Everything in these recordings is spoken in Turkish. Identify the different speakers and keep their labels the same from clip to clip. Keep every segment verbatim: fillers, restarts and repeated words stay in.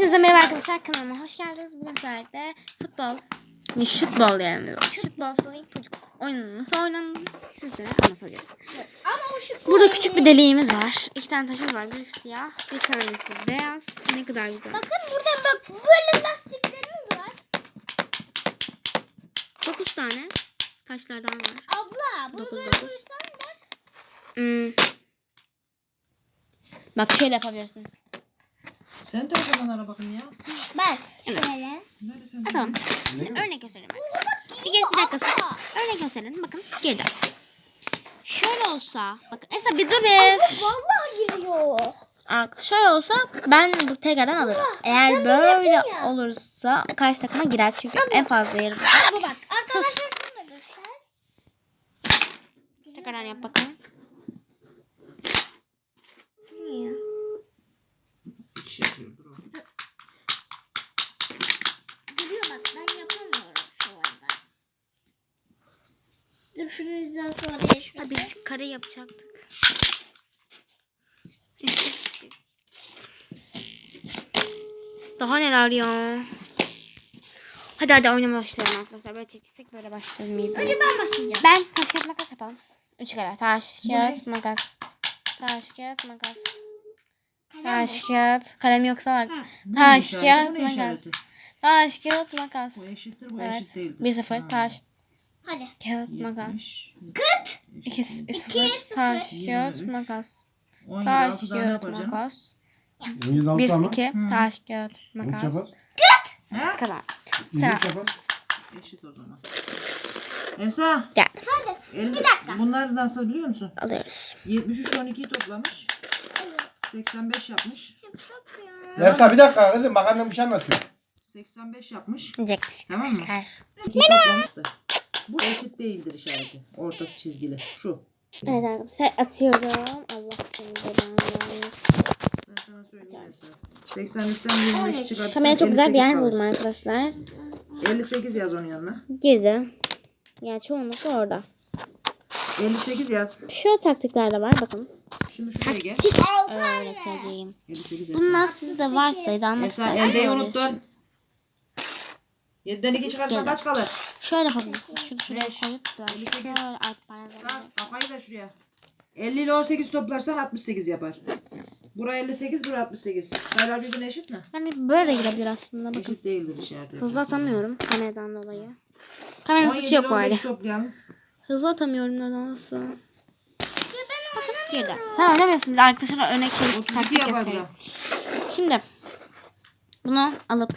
Speaker 1: Hepinize merhaba arkadaşlar, kanalıma hoş geldiniz. Bugün sizlerle futbol, ne futbol yani futbol sayı çocuk oyununu nasıl oynandığını sizlere anlatacağız.
Speaker 2: Ama şu
Speaker 1: Burada küçük bir deliğimiz var. İki tane taşımız var. Bir siyah, bir tanesi beyaz. Ne kadar güzel.
Speaker 2: bakın burada bak böyle lastiklerimiz var.
Speaker 1: Dokuz tane taşlardan var.
Speaker 2: Abla bunu
Speaker 1: Dokuz,
Speaker 2: böyle
Speaker 1: dokuz.
Speaker 2: koysan bak.
Speaker 1: Hmm. Bak şöyle yapabilirsin.
Speaker 3: Sen de o zaman ara bakayım ya.
Speaker 2: Bak
Speaker 1: Evet.
Speaker 2: şöyle.
Speaker 3: Nerede sen?
Speaker 1: Bakalım. Örnek gösterelim. Bir, gel, bir dakika sus. Örnek gösterelim. Bakın girdi. Şöyle olsa. Bakın Esra bir dur bir.
Speaker 2: Vallahi giriyor.
Speaker 1: Artık şöyle olsa ben bu tekrardan alırım. Eğer
Speaker 2: ben böyle
Speaker 1: böyle
Speaker 2: yapayım ya.
Speaker 1: olursa karşı takıma girer. Çünkü en fazla yeri.
Speaker 2: Bu bak arkadaşlar şunu da göster.
Speaker 1: Tekrardan yap bakalım. Niye?
Speaker 2: Giriyor bak ben yapamıyorum şu anda. Dur şunu yüzden sonra değil.
Speaker 1: Ha, biz kare yapacaktık. Daha neler ya. Hadi hadi oynamaya başlayalım arkadaşlar. Böyle çekilsek böyle başlayalım. İyi
Speaker 2: Önce ben başlayacağım.
Speaker 1: Ben taş kağıt makas yapalım. Üç kere. Taş
Speaker 3: Bu
Speaker 1: kağıt makas. Taş kağıt makas.
Speaker 2: Kalem
Speaker 1: Taş kağıt. Kalem yoksa bak.
Speaker 3: Bu ne
Speaker 1: Taş
Speaker 3: işareti,
Speaker 1: kağıt
Speaker 3: bu ne
Speaker 1: makas.
Speaker 3: işareti?
Speaker 1: Taş kağıt makas.
Speaker 3: Bu eşittir, bu
Speaker 1: Evet.
Speaker 3: eşit değildir.
Speaker 1: Bir sıfır.
Speaker 3: Ha.
Speaker 1: Taş
Speaker 2: Hadi.
Speaker 1: kağıt makas.
Speaker 3: yetmiş,
Speaker 2: Kıt.
Speaker 1: İki
Speaker 2: İki,
Speaker 1: sıfır.
Speaker 2: sıfır.
Speaker 1: Taş kağıt
Speaker 3: yirmi üç.
Speaker 1: makas.
Speaker 3: on yedi,
Speaker 1: Taş
Speaker 3: altı daha ne
Speaker 1: kağıt
Speaker 3: yapar canım?
Speaker 1: makas.
Speaker 4: on yedi altı
Speaker 1: Bir
Speaker 4: ama.
Speaker 1: iki.
Speaker 3: Hı.
Speaker 1: Taş kağıt
Speaker 4: on üç
Speaker 1: makas.
Speaker 4: yapar.
Speaker 3: He?
Speaker 1: Kazan.
Speaker 4: on
Speaker 1: Sen
Speaker 4: üç
Speaker 1: al.
Speaker 4: yapar.
Speaker 3: Eşit o zaman. Emsa.
Speaker 1: Gel.
Speaker 2: Hadi.
Speaker 3: elli,
Speaker 2: Bir dakika.
Speaker 3: bunlar nasıl biliyor musun?
Speaker 1: Alıyoruz.
Speaker 3: yetmiş üç on ikiyi toplamış. seksen beş yapmış.
Speaker 4: Nefsa bir dakika kızım bak annem bir şey anlatıyor.
Speaker 3: seksen beş yapmış.
Speaker 1: Diyecek.
Speaker 3: Tamam mı?
Speaker 1: Ser.
Speaker 3: ikiyi toplamış da. Bu eşit değildir işareti. Ortası çizgili. Şu.
Speaker 1: Evet arkadaşlar atıyorum. Allah seni belanı vermesin.
Speaker 3: Ben sana söyleyeyim esas. seksen üçten yirmi beş çıkartırsan
Speaker 1: Kameraya çok güzel bir yer
Speaker 3: elli sekiz
Speaker 1: buldum
Speaker 3: kalır.
Speaker 1: arkadaşlar.
Speaker 3: elli sekiz yaz onun yanına.
Speaker 1: Girdi. Yani çoğunlukla orada.
Speaker 3: elli sekiz yaz.
Speaker 1: Şu taktikler de var bakın.
Speaker 3: Şimdi şuraya gel.
Speaker 1: Öğreteceğim.
Speaker 3: elli sekiz yaz.
Speaker 1: Bunlar sizde varsa da almak
Speaker 3: Efsane,
Speaker 1: isterseniz
Speaker 3: eldeyi
Speaker 1: alabilirsiniz.
Speaker 3: unuttun. yediden iki çıkarsan
Speaker 1: Gel.
Speaker 3: kaç kalır?
Speaker 1: Şöyle yapabilirsiniz. Şunu şuraya
Speaker 3: Beş.
Speaker 1: koyup biraz
Speaker 3: elli sekiz.
Speaker 1: şöyle alt parantez.
Speaker 3: Bak kafayı ver şuraya. elli ile on sekiz toplarsan altmış sekiz yapar. Bura elli sekiz, bura altmış sekiz. Sayılar birbirine eşit mi?
Speaker 1: Yani böyle de gidebilir aslında bakın.
Speaker 3: Eşit değildir işareti.
Speaker 1: Hızlı atamıyorum kameradan dolayı. Kameranın
Speaker 3: on yedi
Speaker 1: suçu yok
Speaker 3: ile
Speaker 1: bu
Speaker 3: on
Speaker 1: arada.
Speaker 3: beş toplayalım.
Speaker 1: Hızlı atamıyorum nedense. Bakın girdi. Sen oynamıyorsun biz arkadaşlara örnek şey
Speaker 3: otuz iki
Speaker 1: taktik
Speaker 3: yapar
Speaker 1: gösteriyorum.
Speaker 3: bura.
Speaker 1: Şimdi bunu alıp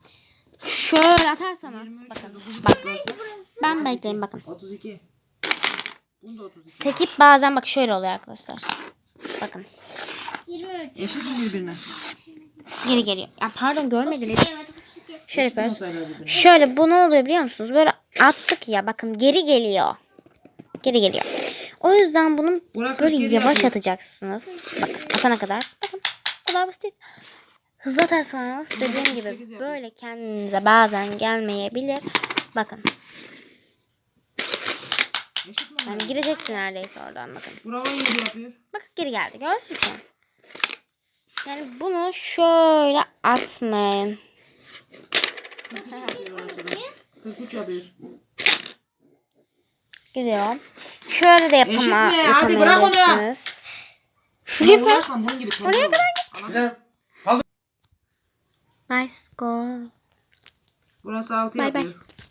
Speaker 1: şöyle atarsanız
Speaker 3: yirmi üç,
Speaker 1: bakın.
Speaker 3: dokuz
Speaker 1: Bak
Speaker 3: toplarsan
Speaker 1: ben bekleyin bakın.
Speaker 3: otuz iki. Bunda otuz iki.
Speaker 1: Sekip bazen bak şöyle oluyor arkadaşlar. Bakın
Speaker 2: yirmi üç.
Speaker 3: Eşit mi birbirine?
Speaker 1: geri geliyor. Ya pardon görmediniz. Şöyle
Speaker 3: Eşit mi o
Speaker 1: yapıyoruz.
Speaker 3: sayılar birbirine?
Speaker 1: Şöyle bu ne oluyor biliyor musunuz? Böyle attık ya bakın geri geliyor. Geri geliyor. O yüzden bunu
Speaker 3: Burak
Speaker 1: böyle
Speaker 3: kırk yedi
Speaker 1: yavaş
Speaker 3: yapıyor.
Speaker 1: atacaksınız. Bakın atana kadar. Bakın bu kadar basit. Hızlı atarsanız dediğim
Speaker 3: sekiz
Speaker 1: gibi
Speaker 3: yapıyor.
Speaker 1: böyle kendinize bazen gelmeyebilir. Bakın.
Speaker 3: Eşit mi
Speaker 1: Yani
Speaker 3: onlar?
Speaker 1: girecekti neredeyse oradan bakın.
Speaker 3: Bura on yedi yapıyor.
Speaker 1: Bakın geri geldi gördün mü? Yani bunu şöyle atmayın.
Speaker 3: kırk üç yapıyor orası da. kırk üç yapıyor.
Speaker 1: Gidiyor. Şöyle de yapama,
Speaker 3: Eşit mi? Hadi bırak onu.
Speaker 1: yapamayabilirsiniz.
Speaker 3: Buna vurarsan bunun gibi tembel
Speaker 1: Oraya
Speaker 3: olur.
Speaker 4: Bir de
Speaker 1: Bye score.
Speaker 3: Burası altı
Speaker 1: Bay bay.
Speaker 3: yapıyor.